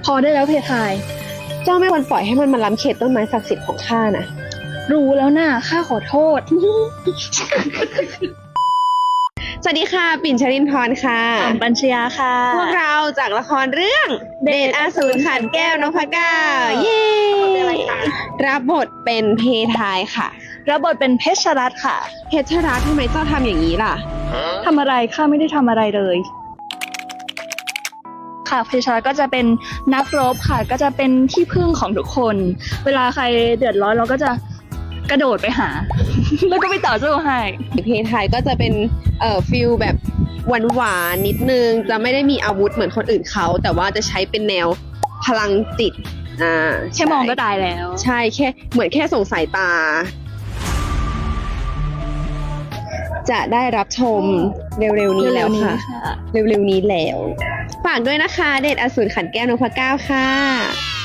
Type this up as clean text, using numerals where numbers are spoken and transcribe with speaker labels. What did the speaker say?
Speaker 1: อได้แล้วเพทาย
Speaker 2: เจ้าไม่ควรปล่อยให้มันมาล้ำเขตต้นไม้ศักดิ์สิทธิ์ของข้านะ
Speaker 1: รู้แล้วน่ะข้าขอโทษ
Speaker 2: สวัสดีค่ะ ปิ่นชรินทร์ค่ะ
Speaker 1: ปัญชยาค่ะ
Speaker 2: พวกเราจากละครเรื่องเดชอสูรขันแก้วนพเก้าเย้
Speaker 1: เป็นอะไรคะ
Speaker 2: รับบทเป็นเพทายค่ะ
Speaker 1: รับบทเป็นเพชรรัตน์ค่ะ
Speaker 2: เพชรรัตน์ทำไมเจ้าทำอย่างนี้ล่ะ
Speaker 1: ทำอะไรข้าไม่ได้ทำอะไรเลย ค่ะเพชรรัตน์ก็จะเป็นนักรบค่ะ ก็จะเป็นที่พึ่งของทุกคน เวลาใครเดือดร้อนเราก็จะกระโดดไปหา แล้วก็ไปต่อสู้ให้
Speaker 2: เพทายก็จะเป็นฟิลแบบหวานๆนิดนึง จะไม่ได้มีอาวุธเหมือนคนอื่นเขา แต่ว่าจะใช้เป็นแนวพลังจิต
Speaker 1: แค่มองก็ตายแล้ว
Speaker 2: ใช่แค่เหมือนแค่ส่งสายตา จะได้รับชมเร็วๆนี้แล้วค่ะ เร็วๆนี้แล้ว ฝากด้วยนะคะ เดชอสูรขันแก้วนพเก้าค่ะ